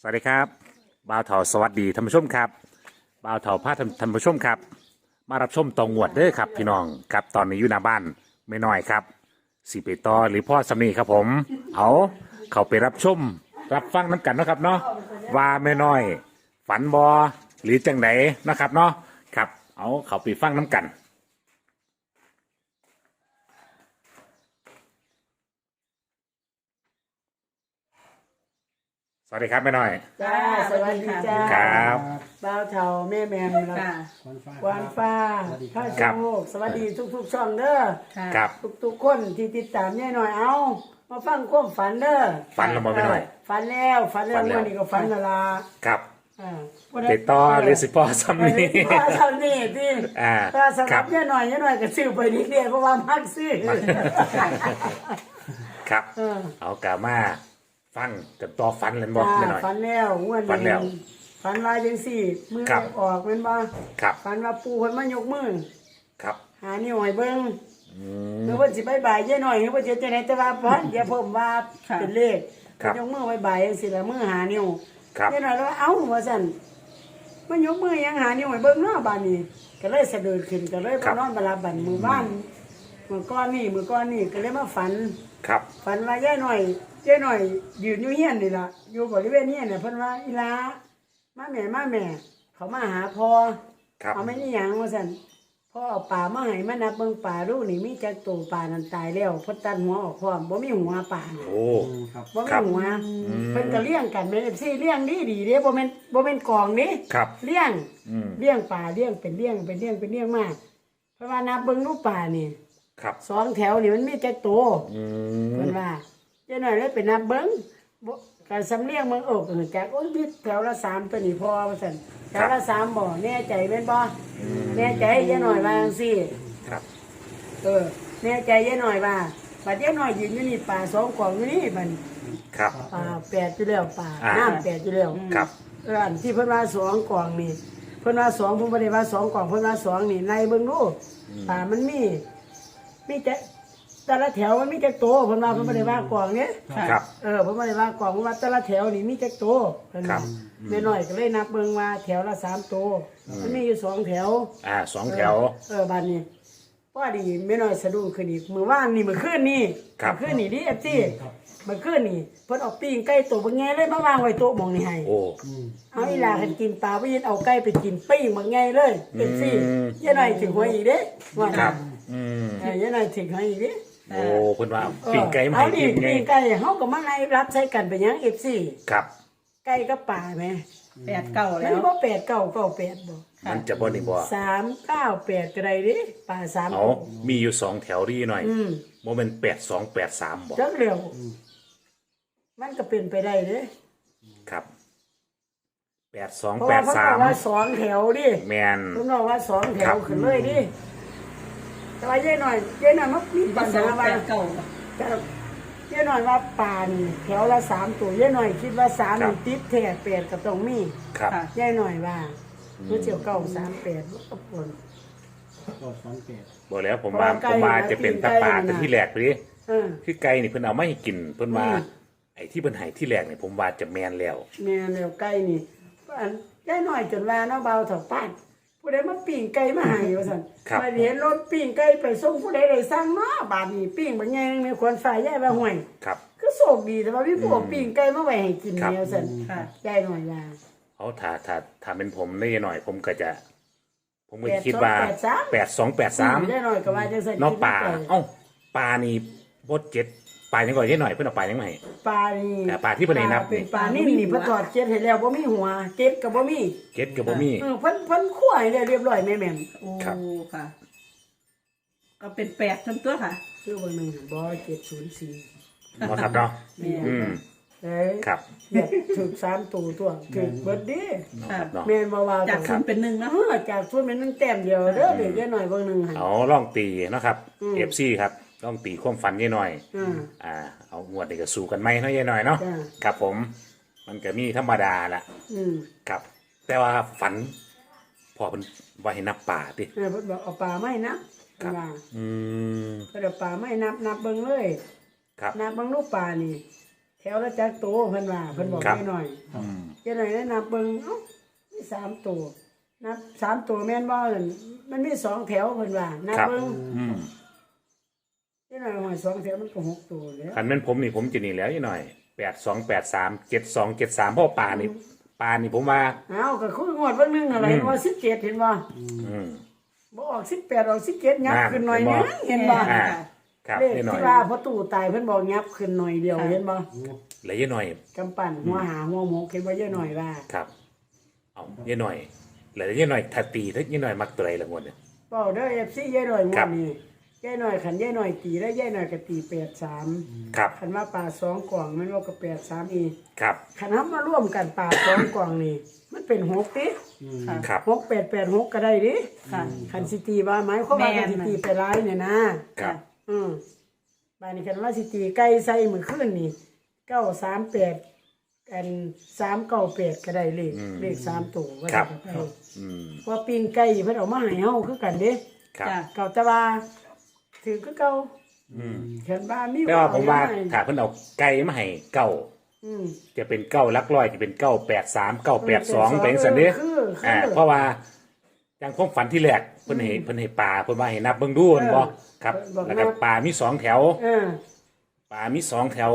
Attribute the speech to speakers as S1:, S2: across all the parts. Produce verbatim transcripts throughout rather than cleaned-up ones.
S1: วัสดีครับบ่าวเถาสวัสดีท่านผู้ชมครับบ่าวเถาพาท่านท่านผู้ชมครับมารับชมตองงวดเด้อครับพี่น้องครับตอนนี้อยู่หน้าบ้านไม่น้อยครับสีเปตอหรือพ่อสำนีครับผมเอาเขาไปรับชมรับฟังน้ำกันเนาะครับเนาะว่าไม่น้อย ฝันบอหรือจังไหนนะครับเนาะครับเอาเขาไปฟังน้ำกัน สวัสดีครับแม่น้อย
S2: จ้าสวัสดีจ้า
S1: ครับ
S2: บ่าวเฒ่าแม่แม่นครับ
S3: ค่ะ
S2: วานฟ้าข้าโชคสวัสดีทุกๆช่องเด้อ
S1: ครับ
S2: ทุกๆคนที่ติดตามแน่หน่อยเอามาฟังความฝันเด้อ
S1: ฝันแล้วบ่แม่น้อย
S2: ฝันแล้วฝันแล้ว
S1: ฝันแล้ว
S2: วันนี้ก็ฝันและละ
S1: ครับ
S2: อ่า
S1: เปตอหรือสิพ่อสำนี
S2: พ่อเท่านี้ที่
S1: อ่า
S2: ถ้าสำห
S1: ครั
S2: รับบ แน่หน่อยแน่หน่อยก็ซื้อไปนิดเดียวเพราะว่ามักซื้อ
S1: ครับ
S2: เออ
S1: เอากามาฟังกับต่อฟันเลยบอกไม่หน่อย
S2: ฝันแล้วงวด
S1: ฝันแล้ว
S2: ฝันว่าจังสี่มือ
S1: ครับ
S2: ออกแม่นบ่
S1: ครับ
S2: ฝันว่าปู่เพิ่นมายกมือ
S1: ครับ
S2: หานิ้วให้เบิ่ง
S1: อื
S2: หรื
S1: ม
S2: อว่าสิบายบายเยอะหน่อยหรือว่าจะจะไหนแต่ว่าพันเดี๋ยวผมว่า
S3: ค่ะ
S2: เป็นเลข
S1: ครับ
S2: ยกมือบายบายสิละมือหานิ้ว
S1: ครับ
S2: เยอะหน่อยแล้วว่าเอ้าว่าสั่นมันยกมือยังหานิ้วให้เบิ่งเนาะบานนี้ ก็เลยสะดุดขึ้นก็เลยมานอนบาลาบันมือบ้านมือก้อนนี่มือก้อนนี่ก็เลยมาฝัน
S1: ครับ
S2: ฝันว่าเยอะหน่อยเยอะหน่อยยืนอยู่เฮียนนี่ล่ะอยู่บริเวณเฮียนน่ะเพิ่นว่าอีหลามาแม่มาแม่ เขามาหาพ่อ
S1: ครับ
S2: เอาไม่นี่หยังว่าสั่นพ่อเอาป่ามาให้มานับเบิ่งป่าดูนี่มีจักตัวป่านั้นตายแล้วเพิ่นตัดหัวออกพร้อมบ่มีหัวป่าน่ะ
S1: โอ้
S3: ครับ
S2: บ่
S1: ครั
S2: มี
S1: บ
S2: หัว
S1: อืม
S2: เพิ่นก็เลี้ยงกันแม่น เอฟ ซี เลี้ยงดีดีๆเด้บ่แม่นบ่แม่นกองนี่
S1: ครับ
S2: เลี้ยง
S1: อืม
S2: เลี้ยงป่าเลี้ยงเป็นเลี้ยงเป็นเลี้ยงเป็นเลี้ยงมากเพราะว่านับเบิ่งรูปป่านี่
S1: ครับ
S2: สองแถวนี่มันมีจักตัว
S1: อื
S2: เพิ่
S1: ม
S2: นว่าเจ้าหน่อยเลยไปนับเบิ่งบ่ก็สำเลียงเบิ่งโอ้ก็จักโอ้ยมีแถวละสามตัวนี่พอว่าซั่นแถวละสามบ่แน่ใจแม่นบ่แน่ใจเจ้าหน่อยว่าจังซี่
S1: ครับ
S2: เออแน่ใจเยอะหน่อยว่าบัดเยอะหน่อยยืนอยู่นี่ป่าสองกล่องอยู่นี่มัน
S1: ครับ
S2: ป่าแปดอยู่แล้วป่า
S1: อ่า
S2: น้ำแปดอยู่แล้ว
S1: ครับ
S2: เอออันที่เพิ่นว่าสองกล่องนี่เพิ่นว่าสองผมบ่ได้ว่าสองกล่องเพิ่นว่าสองนี่ในเบิ่งดูป่ามันมีมีแต่แต่ละแถวมันมีแต่โตเพิ่นว่าเพิ่นบ่ได้ว่ากล่องเนี้ย
S1: ครับ
S2: เออเพิ่นบ่ได้ว่ากล่องเพิ่นว่าแต่ละแถวนี่มีแต่โตเพิ่น
S1: ครั
S2: ว่า
S1: บ
S2: แม่น้อยก็เลยนับเบิ่งว่าแถวละสามโตมันมีอยู่สองแถว
S1: อ่าสองแถว
S2: เออบ้านนี้พอดีไม่น้อยสะดุ้งขึ้นอีกมือว่านนี่มือขึ้นนี่
S1: ครับ
S2: มื้อขึ้นนี่ดิเอฟซีมือขึ้นนี่เพิ่นเอาปิ้งไก่ตัวบางแง่เลยมาวางไว้โต๊ะหมองนี่ให้
S1: โอ้
S2: เอาอีหลาคันกินปลาไปยินเอาไก่ไปกินปิ้งบางแง่เลยเอฟซี
S1: อืม
S2: ยายหน่อยถึงหัวอีกเด้ว่า
S1: ครั
S2: น่ะ
S1: บ อืม
S2: เออยายหน่อยถึงหัวอีกเด้
S1: โอ้เพิ่นว่าปิ้งไก่มา
S2: เอา
S1: ให้
S2: ดิ
S1: กินไง
S2: ปิ้งไก่เฮาก็มาให้รับใช้กันไปหยังเอฟซี
S1: ครับ
S2: ไก่กับปลาแหม
S3: แปดเก้า
S2: มั
S3: แล้
S2: น
S3: ว
S2: บ่แปดเก้าเก้าแปดบ่
S1: มันจะบ่นี่บ่
S2: สามเก้าแปดก็ได้เด้ปลาสาม
S1: เอามีอยู่สองแถวดีหน่อย
S2: อืม
S1: โมเมนแปดสองแปดสามบ่
S2: จักเร็วมันก็เป็นไปได้เด้
S1: ครับแปดสอง
S2: เพราะ
S1: แป
S2: ว่า
S1: ด
S2: เพิ่น
S1: สา
S2: บอ
S1: ม
S2: กว่าสองแถวดิ
S1: แมน
S2: เพิ่นบอกว่าสองแถ
S1: ครั
S2: ว
S1: บ
S2: ขึ้นเลยดิแต่ว่าเย้หน่อยเย้หน่อยมันมีปัญ
S3: สอ
S2: หาง
S3: แป
S2: ว่า
S3: ดเก้า
S2: แต่เย้หน่อยว่าป่านแถวละสามตัวเย้หน่อยคิดว่าสามนี่ติดแท้แปดก็ต้องมี
S1: ครับ
S3: ค่ะ
S2: เย้หน่อยว่ารู้เจียวเก้าสามแปดก็ปน
S3: ก็สองแปด
S1: บอกแล้วผม
S2: เพราะ
S1: ว่า
S2: ว่าไก่
S1: ผมมา
S2: น่ะ
S1: จะเป็น
S2: ปิ้ง
S1: ตะ
S2: ไก่
S1: ปา
S2: น่ะ
S1: แต่ที่แรกเลย
S2: เออ
S1: คือไก่นี่เพิ่นเอาไม่ให้กิน เพิ่นว่า
S2: อืม
S1: ไอ้ที่เพิ่นให้ที่แรกนี่ผมว่าจะแมนแล้ว
S2: แม่แล้วไก่นี่อันเย้หน่อยจนว่าเนาะเบาเถาป้านผู้ใดมาปิ้งไก่มาให้ว่าซั่น
S1: ครับ
S2: มาเห็นรถปิ้งไก่ไปส่งผู้ใดได้สั่งเนาะบาดนี้ปิ้งบ่แยงมีคนฝ่ายยายว่าห่วย
S1: ครับ
S2: ก็โชคดีแต่ว่าพี่พวกปิ้งไก่มาไว้ให้กิน
S1: ครับ
S2: แนวซั่น
S3: ค่ะ
S2: ใจหน่อยว่า
S1: เอาถ้าถ้าถ้าเป็นผมได้หน่อย ผมก็จะ ผมก็
S2: แปด
S1: คิดว่า
S2: สองแปดสาม
S1: แปดสองแปดสาม
S2: ได้หน่อยก็ว่าจังซั่น
S1: น้องปลา
S2: คิดในใจ
S1: เอ้าปลานี่บดเจ็ดปลายังก่อนได้หน่อยเพิ่นเอาปลายังไง
S2: ปลานี่
S1: แต่ปลาที่เพิ่นให้นับ
S2: เป็น
S1: นี่
S2: ปลานิ่มนี่เพิ่นทอดเจ็ดให้แล้วบ่มีหัวเจ็ดก็บ่มี
S1: เจ็ดกับบ่มี
S2: เออเพิ่นเพิ่นคั่วให้แล้วเรียบร้อยแม่แม่ม
S3: โอ้
S1: ครับ
S3: ค่ะ ก็เป็นแปดทั้งตัวค่ะ
S2: ชื่อเบิ่งหนึงบ่เจ็ดศูนย์สี่
S1: เนาะครับเนาะ
S2: แม่
S1: อืม
S2: เอ้ย
S1: ครับ
S2: เนี่ยถูกสามตัวตัวถูกเบิดเดิ
S1: เนาะครับเนาะ
S2: แม่นบ่ว่า
S3: จากศูนย์เป็นหนึ่ง
S2: เอ
S3: นะ
S2: อจากส่วนแม่นนั่นแต้มเดียวเด้อเด็กหน่อยเบิ่งหนึงหั่น
S1: เอาล่องตีเนาะครับ
S2: อืม
S1: เอฟซีครับล่องตีความฝันยี่หน่อย
S2: อ่า
S1: อ่า เอางวดนี้ก็สู้กันไหมเนาะยี่หน่อยเนาะ
S2: จ้ะ
S1: ครับผม มันก็มีธรรมดาละ
S2: อืม
S1: ครับ แต่ว่าฝัน พอเป็นว่าให้นับป่าติ
S2: เออเพิ่นบอกเอาปลาไม้นับ
S1: ครับ
S2: ว่า
S1: อืม
S2: เพิ่นเอาปลาไม้นับนับเบิ่งเลย
S1: ครับ
S2: นับเบิ่งลูกปลานี่ แถถวละจักโตเพิ่นว่าเพิ่นบอก
S1: ครับ
S2: ให้หน่อย
S1: อืม
S2: เจ้าหน่อยแนะนำเบิ่งเอ้ามีสามตัวนับสามตัวแม่นบ่นั่นมันมีสองแถวเพิ่นว่านับ
S1: ครับ
S2: เบิ่ง
S1: อืม
S2: เจ้าหน่อยว่าสองแถวมันก็หกตัวแล้ว
S1: คันแม่นผมนี่ผมจะนี่แล้วยี่หน่อยแปดสองแปดสามเจ็ดสองเจ็ดสามเพราะป่านี่ป่านี่ผมว่า
S2: เอ้าก็คืองวดเบิ่งนึงอะไรว่าสิบเจ็ดเห็นบ่
S1: อืม
S2: บ่ออกสิบแปดออกสิบเจ็ดยับ
S1: อ่า
S2: ขึ้นหน่อยนึง
S1: เห็
S2: เห็น
S1: นบ่
S2: บ่
S1: อ่าครับ
S2: เลข
S1: ยี่หน่อย
S2: ที่ว่าพอตู่ตายเพิ่นบอกยับขึ้นหน่อยเดียวเห็นบ่
S1: แล้วยี่หน่อย
S2: กำปั้นหัวหาหัวหมกเห็นบ่เยอะหน่อยว่า
S1: ครับเอายี่หน่อยแล้วยี่หน่อยถ้าตีถ้ายี่หน่อยมักตัวไรละงวดเนี่ย
S2: เป้าเด้อ เอฟ ซี ยายหน่อยง
S1: ครั
S2: ว
S1: บ
S2: ดนี้ยายหน่อยขันยายหน่อยตีแล้วยายหน่อยก็ตีแปดสาม
S1: ครับ
S2: ขันว่าป่าสองกล่องมันว่าก็แปดสามอีก
S1: ครับ
S2: ขันทำมาร่วมกันป่าสองกล่องนี่มันเป็นหกดิ
S3: ค่ะ
S1: ครับ
S2: หกแปดแปดหกก็ได้ดิ
S3: ค่ะ
S2: ขันสิตีว่าหมายความว่า
S3: แม่
S2: ขัน
S3: น
S2: สิตีไปร้ายเนี่ยนะครับ อืมบ้านนี้ขันว่าสิตีไก่ใส่มือขึ้นนี่เก้าสามแปดกันสามเก้าแปดก็ได้เลขเลขสามตัวว่า
S1: ครับ
S2: จะไป
S1: อืม
S2: เพราะปิ้งไก่เพิ่นเอามาให้เฮาคือกันเด้
S1: ครับ
S3: จ้ะ
S2: เก่าแตะว่าถือคือเก่า
S1: อืม
S2: เห็นบ้านมี
S1: แต่ว่าผมว่า
S2: เอให้
S1: ถ้าเพิ่นเอาไก่มาให้เก้า
S2: อืม
S1: จะเป็นเก้าลักร้อยจะเป็นเก้าแปดสามเก้าแปดสองเป็นสันนี้
S2: คือคือ
S1: อ่าเพราะว่าอย่างความฝันที่แรกเพิ่นให้เพิ่นให้ปลาเพิ่นว่าให้นับเบิ่งดูเห็นบ่ครับ
S2: บอกนับ
S1: แล้วก็ปลามีสองแถว
S2: เออ
S1: ปลามีสองแถว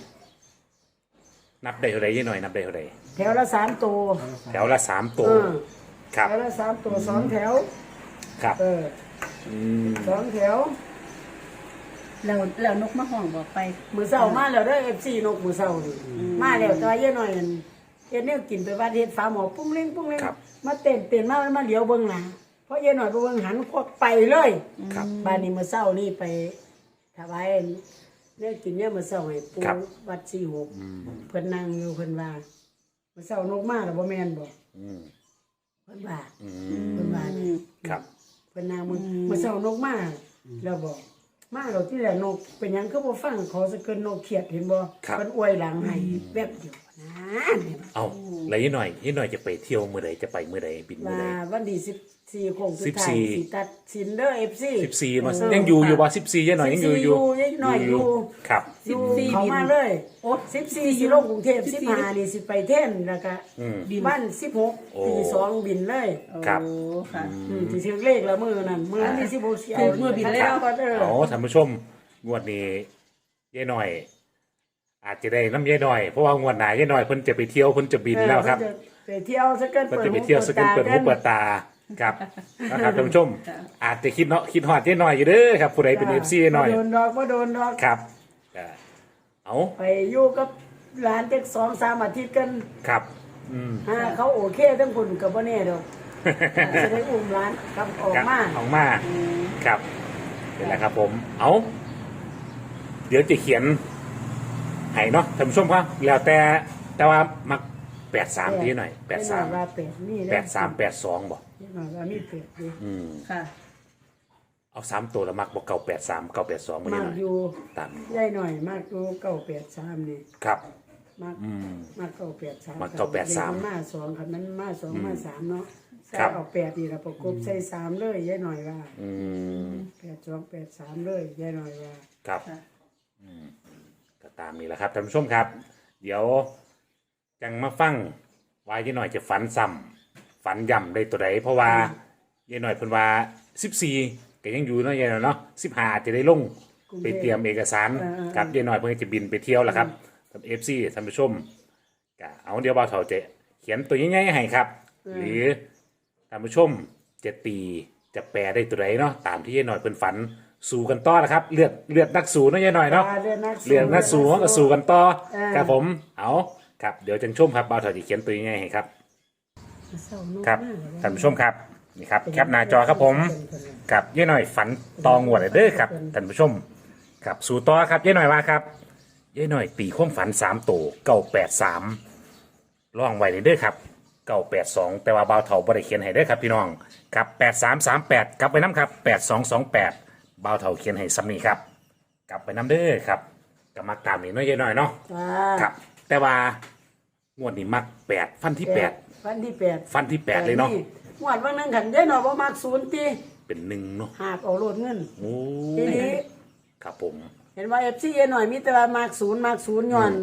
S1: นับได้เท่าใดยี่หน่อยนับได้เท่าใด
S2: แถวละสามตัว
S1: แถวละสามตัว
S2: เออ
S1: ครับ
S2: แถวละสามตัวสองแถว
S1: ครับ
S2: เออ
S1: อืม
S2: สองแถว
S3: แล้วแล้วนกมาห้องบอกไป
S2: มือเศร้ามาแล้วเด้อ เอฟ ซี นกมือเศร้านี่มาแล้วแต่ว่าเยอะหน่อยนั่นเฮ็ดแนวกินไปวัดเฮ็ดฟ้าหมอปุ้งเล้งปุ้งเล้ง
S1: ครับ
S2: มาเต้นเต้นมามันมาเหลียวเบิ่งหน้าเพราะเยอะหน่อยไปเบิ่งหันควักไปเลย
S1: ครับ
S2: บ้านนี้มื้อเช้านี่ไปถวายเนี่ยกินเนี่ยมื้อเช้าให้ปู่
S1: ครับ
S2: วัดสี่หกเพิ่นนั่งอยู่เพิ่นว่ามื้อเช้านกมาแล้วบ่แม่นบ่
S1: อืม
S2: เพิ่นว่า
S1: อืม
S2: เพิ่นว่า
S1: ครับ
S2: เพิ่นนั่งมื้อมื้อเช้านกมาแล้วบอกมาแล้วที่แรกนกเป็นหยังคือบ่ฟังขอสะเกินนกเขียดเห็นบ่
S1: ครับ
S2: เพิ่นอวยหลังให้แวบเดียวนะเห็นบ่
S1: เอาแล้วยี่หน่อยยี่หน่อยจะไปเที่ยวมื้อใดจะไปมื้อใดบินมื้อ
S2: ว่า
S1: ใด
S2: วันที่สิบสี่คงสุด
S1: สิบ
S2: ท้า
S1: สี่
S2: ยสิตัดสินเด้อ เอฟ ซี
S1: สิบสี่มายังอยู่อยู่บ่สิบสี่ยี่หน่อยยังอยู่อยู่
S2: สิบสี่อยู่ยังหน่อยอยู่
S1: ครับ
S2: สิบ
S3: สิบสี่
S2: สี่เขา
S3: บิน
S2: มาเลย
S3: โอ้
S2: สิบสี่สิลงกรุงเทพ
S3: สิ
S2: สิ
S3: บบ สี่
S2: ห้านี่สิไปเท่นแล้วก็
S1: อืม
S3: บิน
S2: บ้านสิบหก
S1: โอ้
S2: ตีสองบินเลย
S1: ครับ
S3: โอ้ค่ะ
S2: อืมที่ถึงเลขละมือนั่นมือนั้นที่สิบหกเสีย
S3: ถูกมือบินแล้ว
S2: ก็เด้อ
S1: โอ้ท่านผู้ชมงวดนี้ยายหน่อย อาจจะได้น้ำยายหน่อยเพราะว่างวดหน้ายายหน่อยเพิ่นจะไปเที่ยวเพิ่นจะบินแล้วครับ
S2: เออเพิ่นจะไปเที่ยวสักเกิน
S1: เพิ่น
S2: เปิด
S1: จะไปเที่ยวสกันเปิดหูเปิด
S2: ตา
S1: ตาครับนะครับท่านผู้ชม อาจจะคิดเนาะคิดฮอดยายหน่อยอยู่เด้อครับผู้ใดเป็น เอฟ ซีหน่อย
S2: บ่โดนดอกบ่โดนดอก
S1: ครับอ่าเอา
S2: ไปอยู่กับหลานจักสองสามอาทิตย์กัน
S1: ครับอืม
S2: ฮะเขาโอเคทั้งคนกับบ่แน่ดอกจะได้อุ้มหลานกลับออกมา
S1: ออกมาครับนี่แหละครับผม เอาเดี๋ยวจะเขียนให้เนาะท่านผู้ชมครับแล้วแต่แต่ว่ามักแปดสามทีหน่อยแปดสาม
S2: ว่าแปดนี่
S1: แปดสามแปดสองบอก
S2: หน่อยว่ามีแปดอยู่
S1: อืม
S3: ค่ะ
S1: เอาสามตัวแล้วมักบอกเก่าแปดสามเก่าแปดสองไม่
S2: มา
S1: ได้
S2: ก
S1: หน่อย
S2: อยู่
S1: ตาม
S2: ใหญ่หน่อยมากอยู่เก้าแปดสามนี่
S1: ครับ
S2: มาก
S1: อืม
S2: มากเก้าแปดสาม
S1: มากเก้าแปดสาม
S2: มาสองคันนั้นมาสองมาสามเนาะใส่
S1: ครับ
S2: เอาแปดนี่ละประกบใส่สามเลยใหญ่หน่อยว่า
S1: อืม
S2: แปดสองแปดสามเลยใหญ่หน่อยว่า
S1: ครับ
S3: ค่ะ
S1: อืมก็ตามนี้แหละครับท่านผู้ชมครับ เดี๋ยวจังมาฟังว่ายายหน่อยจะฝันซ้ำฝันย่ำได้ตัวใดเพราะว่ายายหน่อยเพิ่นว่าสิบสี่ก็ยังอยู่เนาะยายหน่อยเนาะสิบห้าจะได้ลงไปเตรียมเอกสารครับยายหน่อยเพิ่นจะบินไปเที่ยวแล้วครับท่านเอฟซีท่านผู้ชมก็เอาเดี๋ยวบ่าวเฒ่าจะเขียนตัวใหญ่ๆให้ครับ หรือท่านผู้ชมจะตีจะแปลได้ตัวใดเนาะตามที่ยายหน่อยเพิ่นฝันสู้กันต่อนะครับเลือดเลือดนักสู้เนาะยายหน่อยเนาะ
S2: เรื่องนัก
S1: เรื่องนักสู้ก็สู้กันต่อ
S2: เออ
S1: ครับผมเอาครับเดี๋ยวจังชมครับบ่าวเฒ่าจะเขียนตัวใหญ่ให้ครับ ครับท่านผู้ชมครับนี่ครับแคปหน้าจอครับผมกับยายหน่อยฝันตองวดเลยเด้อครับท่านผู้ชมครับสู่ต่อครับยายหน่อยว่าครับยายหน่อยตีความฝันสามตัวเก้าแปดสามล่องไว้เลยเด้อครับเก้าแปดสองแต่ว่าบ่าวเฒ่าบ่ได้เขียนให้เด้อครับพี่น้องครับแปดสามสามแปดกลับไปน้ำครับแปดสองสองแปดบ่าวเฒ่าเขียนให้ซ้ำนี้ครับกลับไปน้ำเด้อครับก็มักตามนี้เนาะยายหน่อยเนาะ
S2: อ่า
S1: ครับ แต่ว่างวดนี้มักแปดฟันที่แปด
S2: ฟันที่แปด
S1: ฟันที่แปดเลยเนาะ
S2: หวดวันนั้นขันได้หน่อยประมาณศูนย์ตี
S1: เป็นหนึ่งเนาะ
S2: หากเอาโลดเงิน
S1: โอ้
S2: ทีนี้
S1: ครับผม
S2: เห็นว่าเอฟซีเอหน่อยมีแต่ว่ามากศูนย์มากศูนย์ย้อน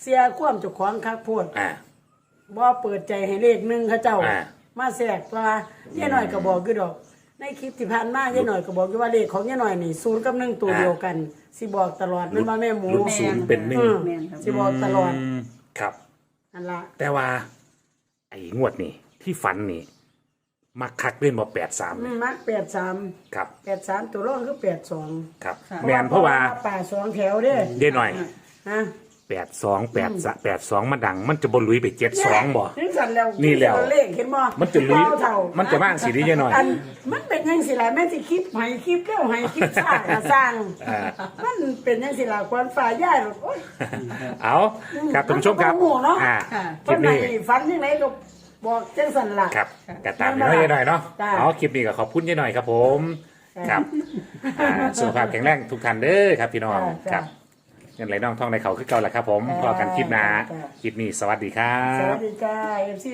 S2: เสียความเจ้าของคักโพด
S1: อ่า
S2: บ่เปิดใจให้เลขหนึงเขาเจ้า
S1: อ่า
S2: มาแทรกว่าย่าหน่อยก็บอกอยู่ดอก ในคลิปที่ผ่านมาย่าหน่อยก็บอกอยู่ว่าเลขของย่าหน่อยนี่ศูนย์กับหนึ่งตัวเดียวกันสิบอกตลอดแม่นบ่แม่หมู
S1: หลุดศูนย์เป็นหนึ่ง
S2: อืม
S3: แม่นครับ
S2: สิบอกตลอด
S1: มครับ
S2: นั่นล่ะ
S1: แต่ว่า ไอ้งวดนี่ที่ฝันนี่มักคักเล่นบ่แปดสาม
S2: อืมมักแปดสาม
S1: ครับ
S2: แปดสามตัวรองคือแปดสอง
S1: ครับ
S3: ค่ะ
S1: แมนเพราะว่า
S2: ป่าสองแถวเด้
S1: เดี๋ยวหน่อย
S2: ฮะ
S1: แปดสองแปดแปดสองมาดัง มันจะบนลุยไปเจ็ดสองบ่
S2: นี่สั่นแล้ว
S1: นี่แล้ว
S2: เลขเห็นบ่
S1: มันจะลุย
S2: เท่าเท่า
S1: มันจะบ้างสีนี้ยังหน่อย
S2: อันมันเป็นยังสิล่ะแม่นสิคลิปให้คลิปเร็วให้คลิปซ่าก็สร้าง
S1: อ่า
S2: มันเป็นยังสิล่ะควรฝ่ายย่ายหรอกโอ๊ย
S1: เอาครับท่านผู้ชมครับ
S2: นก็บ่ฮู้เนาะ
S1: อ่า
S3: ค่ะ
S1: คลิปนี้
S2: เพิ่นให้ฝันยังไงก็บอกจังสั่นล่ะ
S1: ครับกระตามนี้ให้หน่อยเนาะ
S2: จ้า
S1: เอาคลิปนี้ก็ขอบคุณยายหน่อยครับผมครับอ่าสุขภาพแข็งแรงทุกท่านเด้อครับพี่น้อง
S2: จ้า
S1: ครับเงินไหลน่องท่องในเขาคือเก่าแหละครับผม
S2: จ้า
S1: พอกันคลิปหน้า
S2: จ้า
S1: คลิปนี้สวัสดีครั
S2: สวั
S1: บ
S2: สดีจ้า เอฟ ซี